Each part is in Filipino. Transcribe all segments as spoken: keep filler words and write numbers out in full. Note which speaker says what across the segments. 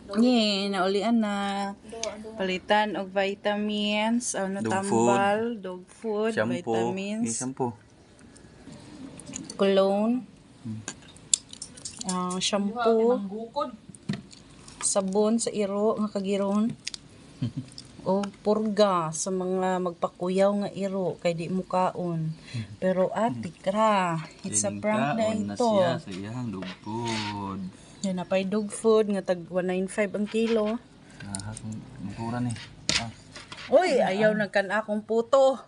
Speaker 1: Nye, naulian na. Palitan og vitamins, ano
Speaker 2: Dog
Speaker 1: tambal, dog food,
Speaker 2: Shampoo.
Speaker 1: vitamins,
Speaker 2: Yung shampoo.
Speaker 1: cologne, ah, shampoo, sabon sa iro nga kagiron. O purga sa mga magpakuyaw nga iro kay di mo kaon. Pero ati kra, it's a prank na
Speaker 2: Kaon na
Speaker 1: ito.
Speaker 2: siya sa iyang dog food.
Speaker 1: Yan na pa'y dog food nga tag one ninety-five ang kilo.
Speaker 2: Ah, kung mura ni. Ah.
Speaker 1: Uy, ayaw nagkan akong puto.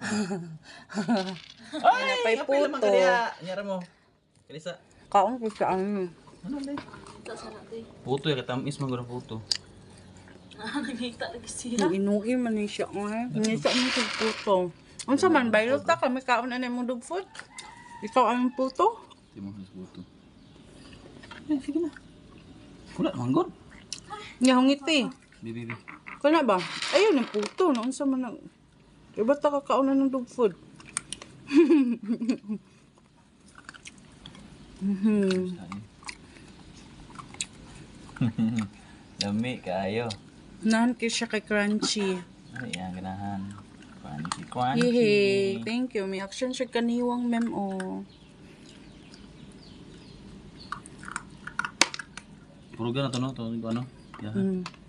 Speaker 1: Yan na pa'y puto.
Speaker 2: Nyara mo. Kalisa.
Speaker 1: Kaon ko sa ano.
Speaker 2: Ano ba? Puto ya katamis man gud puto.
Speaker 1: Yung inuwi man ni siya nga. Hindi siya mo sa puto. Unsa man baylot ta kami kaon na mo dog food. Ikaw ang puto.
Speaker 2: Di mo sa puto. Eh, sige na. Wala naman gud.
Speaker 1: Nga ngiti.
Speaker 2: Bibi bi.
Speaker 1: Kana ba? Ayaw ng puto. Unsa man na. Iba ta kakaon na ng dog food. Mhm.
Speaker 2: Lami kayo.
Speaker 1: Nahan kayo siya kay crunchy.
Speaker 2: Ay, yan ganahan. Crunchy, crunchy.
Speaker 1: Yehey. Thank you. May action siya kaniwang mem o.
Speaker 2: Puro na to no, to ano? Yeah.
Speaker 1: Mm.